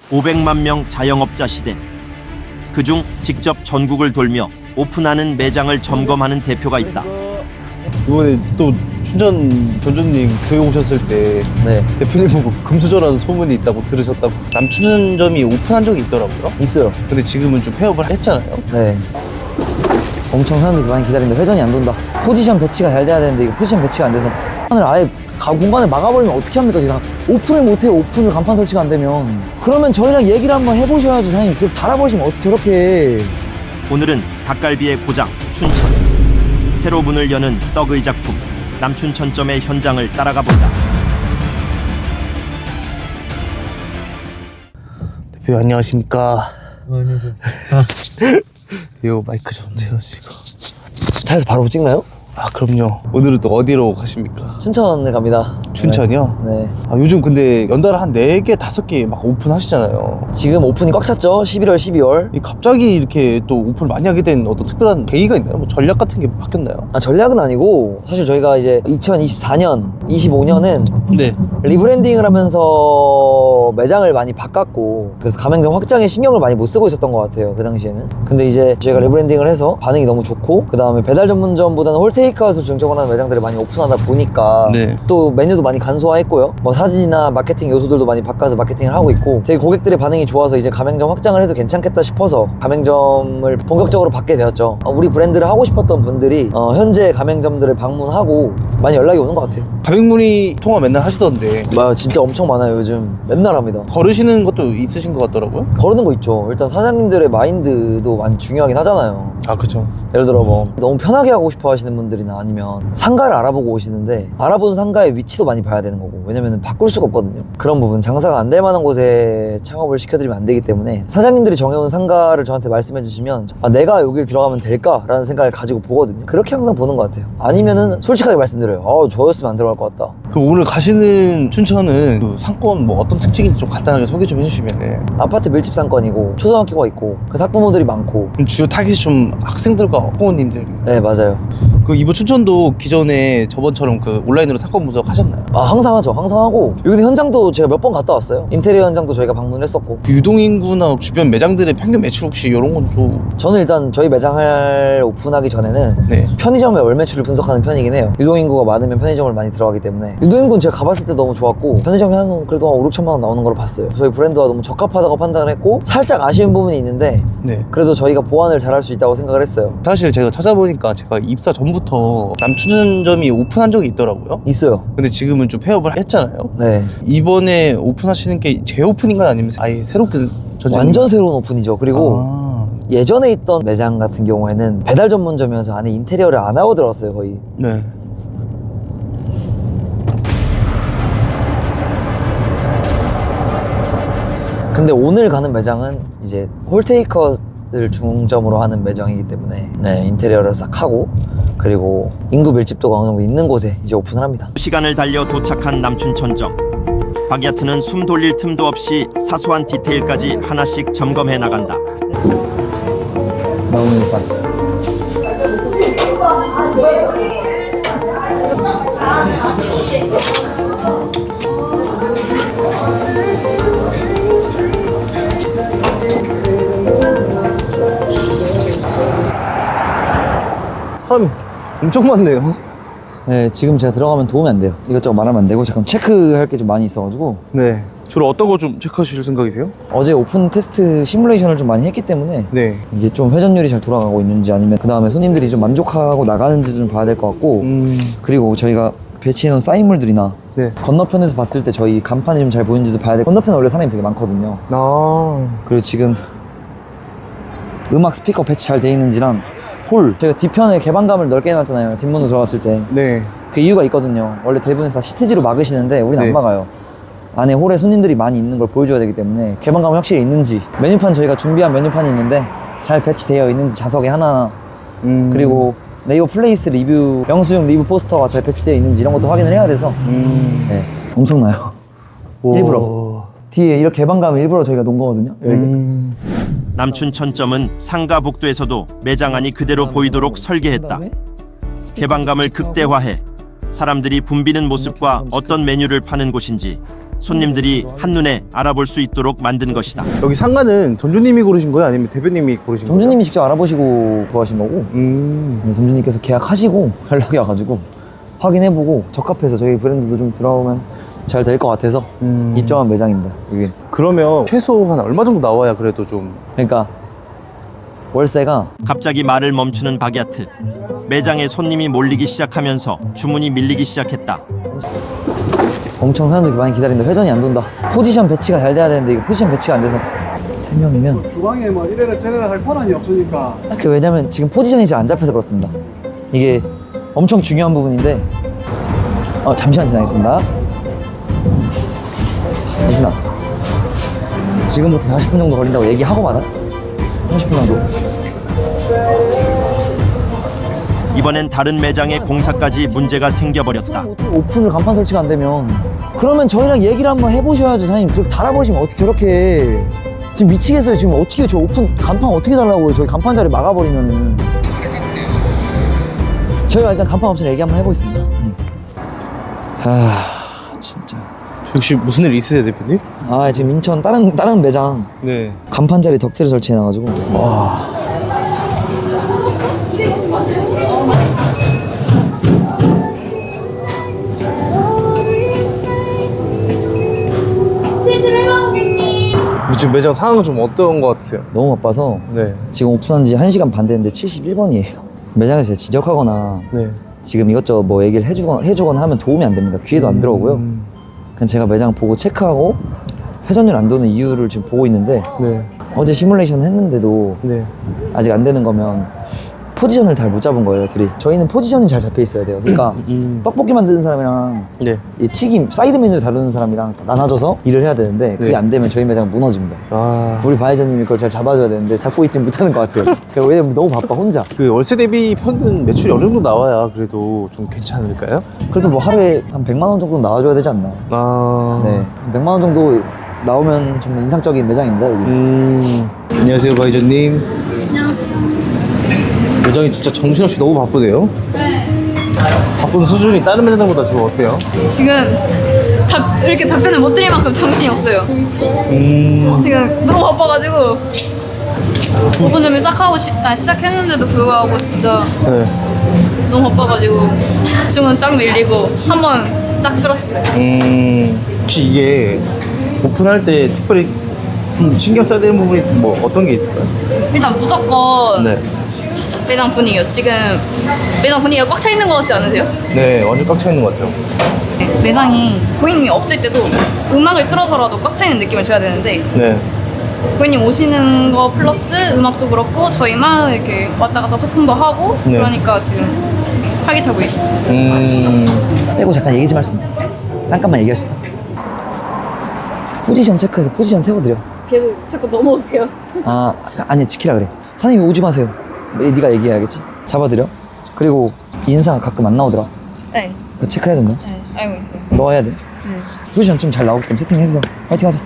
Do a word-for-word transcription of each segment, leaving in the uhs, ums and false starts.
오백만 명 자영업자 시대. 그중 직접 전국을 돌며 오픈하는 매장을 점검하는 대표가 있다. 이번에 또 춘천 전주님 교회 오셨을 때 네, 대표님 보고 금수저라는 소문이 있다고 들으셨다고. 남춘천점이 오픈한 적이 있더라고요. 있어요. 근데 지금은 좀 폐업을 했잖아요. 네. 엄청 사람들이 많이 기다리는데 회전이 안 돈다. 포지션 배치가 잘 돼야 되는데 이거 포지션 배치가 안 돼서 간판을 아예 가, 공간을 막아버리면 어떻게 합니까? 지금 오픈을 못해요. 오픈을 간판 설치가 안 되면. 그러면 저희랑 얘기를 한번 해보셔야죠. 사장님 그 달아보시면 어떻게 저렇게 해. 오늘은 닭갈비의 고장 춘천. 새로 문을 여는 떡의 작품 남춘천점의 현장을 따라가 본다. 대표 안녕하십니까. 어, 안녕하세요. 이거 마이크 좀 세우시고. 차에서 바로 찍나요? 아 그럼요. 오늘은 또 어디로 가십니까? 춘천을 갑니다. 춘천이요? 네. 네. 아, 요즘 근데 연달아 한 네 개, 다섯 개 막 오픈하시잖아요. 지금 오픈이 꽉 찼죠? 십일월, 십이월. 이 갑자기 이렇게 또 오픈을 많이 하게 된 어떤 특별한 계기가 있나요? 뭐 전략 같은 게 바뀌었나요? 아, 전략은 아니고 사실 저희가 이제 이천이십사 년, 이십오 년은 네. 리브랜딩을 하면서 매장을 많이 바꿨고 그래서 가맹점 확장에 신경을 많이 못 쓰고 있었던 것 같아요, 그 당시에는. 근데 이제 저희가 리브랜딩을 해서 반응이 너무 좋고 그 다음에 배달 전문점보다는 홀테이크아웃을 중점으로 하는 매장들을 많이 오픈하다 보니까 네. 또 메뉴도 많이 간소화했고요. 뭐 사진이나 마케팅 요소들도 많이 바꿔서 마케팅을 하고 있고 저희 고객들의 반응이 좋아서 이제 가맹점 확장을 해도 괜찮겠다 싶어서 가맹점을 본격적으로 받게 되었죠. 어, 우리 브랜드를 하고 싶었던 분들이 어, 현재 가맹점들을 방문하고 많이 연락이 오는 것 같아요. 가맹문의 통화 맨날 하시던데 와, 진짜 엄청 많아요. 요즘 맨날 합니다. 걸으시는 것도 있으신 것 같더라고요. 거르는 거 있죠. 일단 사장님들의 마인드도 많이 중요하긴 하잖아요. 아 그쵸. 예를 들어 뭐 너무 편하게 하고 싶어 하시는 분들이나 아니면 상가를 알아보고 오시는데 알아본 상가의 위치도 많이 봐야 되는 거고, 왜냐면 바꿀 수가 없거든요. 그런 부분, 장사가 안 될 만한 곳에 창업을 시켜드리면 안 되기 때문에 사장님들이 정해온 상가를 저한테 말씀해 주시면 아, 내가 여길 들어가면 될까? 라는 생각을 가지고 보거든요. 그렇게 항상 보는 것 같아요. 아니면은 솔직하게 말씀드려요. 아, 저였으면 안 들어갈 것 같다. 그 오늘 가시는 춘천은 그 상권 뭐 어떤 특징인지 좀 간단하게 소개 좀 해주시면. 아파트 밀집 상권이고 초등학교가 있고 그 학부모들이 많고. 그럼 주요 타깃이 좀 학생들과 부모님들. 네, 맞아요. 그 이번 춘천도 기존에 저번처럼 그 온라인으로 사건 분석 하셨나요? 아, 항상 하죠. 항상 하고 여기 현장도 제가 몇 번 갔다 왔어요. 인테리어 현장도 저희가 방문을 했었고. 그 유동인구나 주변 매장들의 평균 매출 혹시 이런 건 좀. 저는 일단 저희 매장을 오픈하기 전에는 네. 편의점의 월 매출을 분석하는 편이긴 해요. 유동인구가 많으면 편의점을 많이 들어가기 때문에. 유동인구는 제가 가봤을 때 너무 좋았고 편의점이 한 그래도 한 오, 육천만 원 나오는 걸로 봤어요. 저희 브랜드와 너무 적합하다고 판단을 했고 살짝 아쉬운 부분이 있는데 네. 그래도 저희가 보완을 잘할 수 있다고 생각을 했어요. 사실 제가 찾아보니까 제가 입사 전부터 남춘천점이 오픈한 적이 있더라고요. 있어요. 근데 지금은 좀 폐업을 했잖아요. 네. 이번에 오픈하시는 게 재오픈인가요? 아니면 아예 새롭게 전쟁... 완전 새로운 오픈이죠. 그리고 아... 예전에 있던 매장 같은 경우에는 배달 전문점이어서 안에 인테리어를 안 하고 들어갔어요, 거의. 네. 근데 오늘 가는 매장은 이제 홀테이커를 중점으로 하는 매장이기 때문에 네, 인테리어를 싹 하고 그리고 인구 밀집도가 어느 정도 있는 곳에 이제 오픈을 합니다. 시간을 달려 도착한 남춘천점. 박야트는 숨 돌릴 틈도 없이 사소한 디테일까지 하나씩 점검해 나간다. 나무밀판. 사람이 엄청 많네요. 네, 지금 제가 들어가면 도움이 안 돼요. 이것저것 말하면 안 되고 잠깐 체크할 게 좀 많이 있어가지고. 네. 주로 어떤 거 좀 체크하실 생각이세요? 어제 오픈 테스트 시뮬레이션을 좀 많이 했기 때문에 네. 이게 좀 회전율이 잘 돌아가고 있는지 아니면 그 다음에 손님들이 좀 만족하고 나가는지 좀 봐야 될 것 같고. 음... 그리고 저희가 배치해놓은 사인물들이나 네. 건너편에서 봤을 때 저희 간판이 좀 잘 보이는지도 봐야 돼. 건너편에 원래 사람이 되게 많거든요. 아... 그리고 지금 음악 스피커 배치 잘 돼 있는지랑 홀, 저희가 뒤편에 개방감을 넓게 해놨잖아요. 뒷문으로 들어갔을 때. 네. 그 이유가 있거든요. 원래 대부분 다 시트지로 막으시는데 우리는 네. 안 막아요. 안에 홀에 손님들이 많이 있는 걸 보여줘야 되기 때문에 개방감이 확실히 있는지, 메뉴판 저희가 준비한 메뉴판이 있는데 잘 배치되어 있는지 자석에 하나, 음... 그리고 네이버 플레이스 리뷰, 영수증 리뷰 포스터가 잘 배치되어 있는지 이런 것도 확인을 해야 돼서 음... 네, 엄청나요. 오... 일부러 뒤에 이렇게 개방감을 일부러 저희가 놓은 거거든요. 음... 남춘천점은 상가 복도에서도 매장 안이 그대로 보이도록 설계했다. 개방감을 극대화해 사람들이 붐비는 모습과 어떤 메뉴를 파는 곳인지 손님들이 한눈에 알아볼 수 있도록 만든 것이다. 여기 상가는 점주님이 고르신 거예요? 아니면 대표님이 고르신 거예요? 점주님이 직접 알아보시고 구하신 거고 음. 네, 점주님께서 계약하시고 연락이 와가지고 확인해보고 적합해서 저희 브랜드도 좀 들어오면 잘 될 것 같아서 음. 입점한 매장입니다. 이게 그러면 최소 한 얼마 정도 나와야 그래도 좀 그러니까 월세가 갑자기 말을 멈추는 박야트. 매장에 손님이 몰리기 시작하면서 주문이 밀리기 시작했다. 엄청 사람들이 많이 기다린다. 회전이 안 돈다. 포지션 배치가 잘 돼야 되는데 이거 포지션 배치가 안 돼서 세 명이면 주방에 뭐 이래라 저래라 할 권한이 없으니까. 그 왜냐면 지금 포지션이 잘 안 잡혀서 그렇습니다. 이게 엄청 중요한 부분인데 어, 잠시만 지나겠습니다. 대신아 지금부터 사십 분 정도 걸린다고 얘기하고 받아. 삼십 분 정도. 이번엔 다른 매장의 공사까지 문제가 생겨버렸다. 어떻게 오픈을 간판 설치가 안 되면 그러면 저희랑 얘기를 한번 해보셔야죠. 사장님 그렇게 달아보시면 어떻게 저렇게 지금 미치겠어요. 지금 어떻게 저 오픈 간판 어떻게 달라고요. 저희 간판 자리 막아버리면은 저희가 일단 간판 업체랑 얘기 한번 해보겠습니다. 네. 아 진짜 혹시 무슨 일 있으세요, 대표님? 아 지금 인천 다른 다른 매장 네. 간판 자리 덕트를 설치해놔가지고 와. 칠십일 만 고객님. 지금 매장 상황은 좀 어떤 것 같으세요? 너무 바빠서 네. 지금 오픈한 지 한 시간 반 됐는데 칠십일 번이에요. 매장에서 제가 지적하거나 네. 지금 이것저것 뭐 얘기를 해주거나, 해주거나 하면 도움이 안 됩니다. 귀에도 안 들어오고요. 음. 그냥 제가 매장 보고 체크하고 회전율 안 도는 이유를 지금 보고 있는데 네. 어제 시뮬레이션 했는데도 네. 아직 안 되는 거면 포지션을 잘 못 잡은 거예요, 둘이. 저희는 포지션이 잘 잡혀 있어야 돼요. 그러니까 음. 떡볶이 만드는 사람이랑 네. 이 튀김, 사이드 메뉴 다루는 사람이랑 나눠져서 일을 해야 되는데 그게 네. 안 되면 저희 매장 무너집니다. 아. 우리 바이저님이 그걸 잘 잡아줘야 되는데 잡고 있지 못하는 것 같아요. 그러니까 왜냐면 너무 바빠, 혼자. 그 월세 대비 평균 매출이 어느 정도 나와야 그래도 좀 괜찮을까요? 그래도 뭐 하루에 한 백만 원 정도 나와줘야 되지 않나. 아. 네. 한 백만 원 정도 나오면 정말 인상적인 매장입니다, 여기. 음. 안녕하세요, 바이저님. 안녕하세요. 매장이 진짜 정신없이 너무 바쁘네요. 네. 바쁜 수준이 다른 매장보다 좀 어때요? 지금 답, 이렇게 답변을 못 드릴 만큼 정신이 없어요. 음. 지금 너무 바빠가지고 오픈 준비 싹 하고 시, 아, 시작했는데도 불구하고 진짜 네. 너무 바빠가지고 주문 쫙 밀리고 한 번 싹 쓸었어요. 음. 혹시 이게 오픈할 때 특별히 좀 신경 써야 되는 부분이 뭐 어떤 게 있을까요? 일단 무조건 네. 매장 분위기요. 지금 매장 분위기가 꽉 차 있는 것 같지 않으세요? 네, 완전 꽉 차 있는 것 같아요. 네, 매장이 고객님이 없을 때도 음악을 틀어서라도 꽉 차 있는 느낌을 줘야 되는데 네. 고객님 오시는 거 플러스 음악도 그렇고 저희만 이렇게 왔다 갔다 소통도 하고 네. 그러니까 지금 활기차 보이시죠? 음. 빼고 잠깐 얘기 좀 할 수 있나? 잠깐만 얘기할 수 있어. 포지션 체크해서 포지션 세워드려. 계속 자꾸 넘어오세요. 아, 아니 지키라 그래. 사장님이 오지 마세요. 네가 얘기해야겠지. 잡아드려. 그리고 인사 가끔 안 나오더라. 네, 그거 체크해야 된다. 네, 알고 있어요. 너 해야 돼. 네. 포지션 좀 잘 나오게끔 세팅해서 화이팅 하자.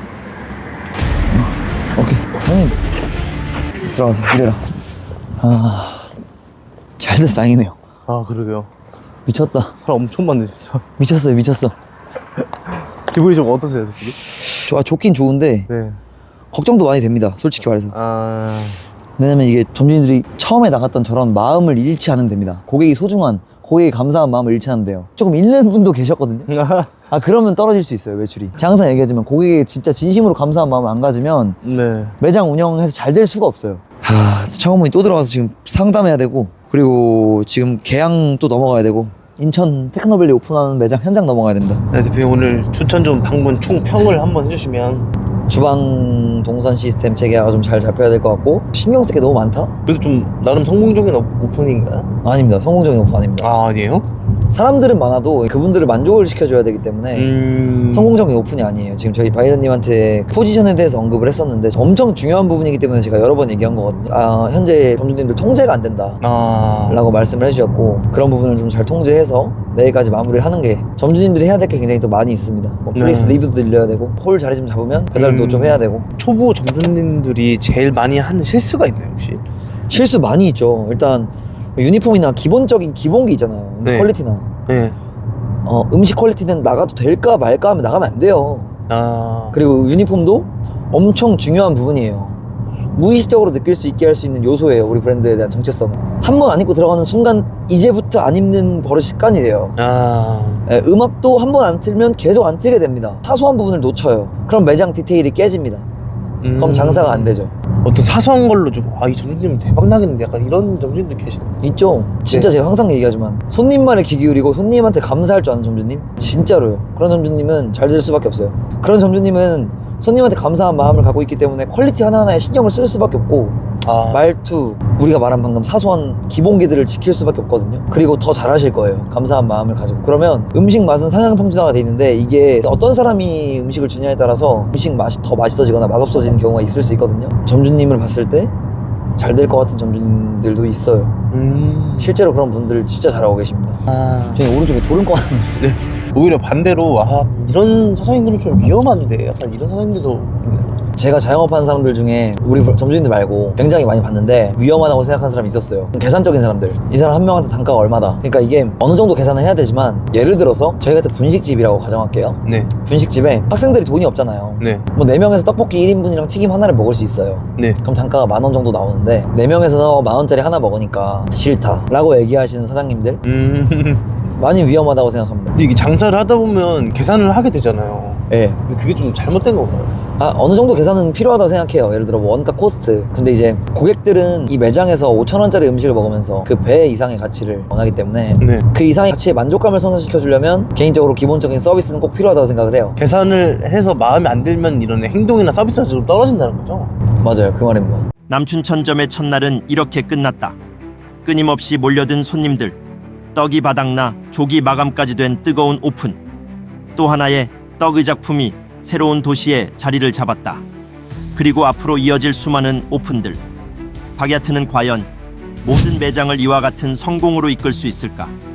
응. 오케이. 사장님 들어가서 일해라. 아, 잘 돼서 다행이네요. 아, 그러게요. 미쳤다. 사람 엄청 많네, 진짜. 미쳤어요, 미쳤어. 기분이 좀 어떠세요, 대표님? 좋아, 좋긴 좋은데 네. 걱정도 많이 됩니다. 솔직히 말해서. 아. 왜냐면 이게 점주님들이 처음에 나갔던 저런 마음을 잃지 않으면 됩니다. 고객이 소중한, 고객이 감사한 마음을 잃지 않으면 돼요. 조금 잃는 분도 계셨거든요. 아, 그러면 떨어질 수 있어요, 매출이. 제가 항상 얘기하지만 고객이 진짜 진심으로 감사한 마음을 안 가지면 네. 매장 운영해서 잘 될 수가 없어요. 하, 창업문이 또 들어가서 지금 상담해야 되고, 그리고 지금 계양 또 넘어가야 되고, 인천 테크노밸리 오픈하는 매장 현장 넘어가야 됩니다. 네, 대표님 오늘 추천점 방문 총 평을 한번 해주시면. 주방 동선 시스템 체계가 좀 잘 잡혀야 될 것 같고, 신경 쓸 게 너무 많다? 그래도 좀 나름 성공적인 오- 오픈인가요? 아닙니다. 성공적인 오픈 아닙니다. 아, 아니에요? 사람들은 많아도 그분들을 만족을 시켜줘야 되기 때문에 음. 성공적인 오픈이 아니에요. 지금 저희 바이런님한테 포지션에 대해서 언급을 했었는데 엄청 중요한 부분이기 때문에 제가 여러 번 얘기한 거거든요. 아, 현재 점주님들 통제가 안 된다 아. 라고 말씀을 해주셨고, 그런 부분을 좀 잘 통제해서 내일까지 마무리를 하는 게 점주님들이 해야 될 게 굉장히 또 많이 있습니다. 뭐 플레이스 네. 리뷰도 늘려야 되고, 홀 자리 좀 잡으면 배달도 음. 좀 해야 되고. 초보 점주님들이 제일 많이 하는 실수가 있나요, 혹시? 실수 많이 있죠. 일단 유니폼이나 기본적인 기본기 있잖아요. 네. 퀄리티나 네. 어, 음식 퀄리티는 나가도 될까 말까 하면 나가면 안 돼요. 아. 그리고 유니폼도 엄청 중요한 부분이에요. 무의식적으로 느낄 수 있게 할 수 있는 요소예요. 우리 브랜드에 대한 정체성. 한 번 안 입고 들어가는 순간 이제부터 안 입는 버릇이 습관이 돼요. 아. 예, 음악도 한 번 안 틀면 계속 안 틀게 됩니다. 사소한 부분을 놓쳐요. 그럼 매장 디테일이 깨집니다. 음. 그럼 장사가 안 되죠. 어떤 사소한 걸로 좀 아 이 점주님 대박 나겠는데 약간 이런 점주님들 계시네요. 있죠. 진짜 네. 제가 항상 얘기하지만 손님만에 귀 기울이고 손님한테 감사할 줄 아는 점주님? 진짜로요. 그런 점주님은 잘 될 수밖에 없어요. 그런 점주님은 손님한테 감사한 마음을 갖고 있기 때문에 퀄리티 하나하나에 신경을 쓸 수밖에 없고 아. 말투, 우리가 말한 방금 사소한 기본기들을 지킬 수밖에 없거든요. 그리고 더 잘하실 거예요. 감사한 마음을 가지고. 그러면 음식 맛은 상향평준화가 돼 있는데 이게 어떤 사람이 음식을 주냐에 따라서 음식 맛이 더 맛있어지거나 맛없어지는 경우가 있을 수 있거든요. 점주님을 봤을 때 잘 될 것 같은 점주님들도 있어요. 음. 실제로 그런 분들 진짜 잘하고 계십니다. 아. 저희 오른쪽에 졸음 꺼 네. 오히려 반대로 아 이런 사장님들은 좀 위험한데 약간 이런 사장님들도 있네요. 제가 자영업하는 사람들 중에 우리 점주님들 말고 굉장히 많이 봤는데 위험하다고 생각하는 사람이 있었어요. 계산적인 사람들. 이 사람 한 명한테 단가가 얼마다. 그러니까 이게 어느 정도 계산을 해야 되지만 예를 들어서 저희 같은 분식집이라고 가정할게요. 네. 분식집에 학생들이 돈이 없잖아요. 네. 뭐 네 명에서 떡볶이 일 인분이랑 튀김 하나를 먹을 수 있어요. 네. 그럼 단가가 만 원 정도 나오는데 네 명에서 만 원짜리 하나 먹으니까 싫다 라고 얘기하시는 사장님들 음. 많이 위험하다고 생각합니다. 근데 이게 장사를 하다 보면 계산을 하게 되잖아요. 예. 근데 그게 좀 잘못된 건가요? 아, 어느 정도 계산은 필요하다고 생각해요. 예를 들어 뭐 원가 코스트. 근데 이제 고객들은 이 매장에서 오천 원짜리 음식을 먹으면서 그 배 이상의 가치를 원하기 때문에 네. 그 이상의 가치에 만족감을 선사시켜 주려면 개인적으로 기본적인 서비스는 꼭 필요하다고 생각을 해요. 계산을 해서 마음에 안 들면 이런 행동이나 서비스가 좀 떨어진다는 거죠? 맞아요. 그 말입니다. 남춘천점의 첫날은 이렇게 끝났다. 끊임없이 몰려든 손님들, 떡이 바닥나 조기 마감까지 된 뜨거운 오픈. 또 하나의 떡의 작품이 새로운 도시에 자리를 잡았다. 그리고 앞으로 이어질 수많은 오픈들. 박야트는 과연 모든 매장을 이와 같은 성공으로 이끌 수 있을까?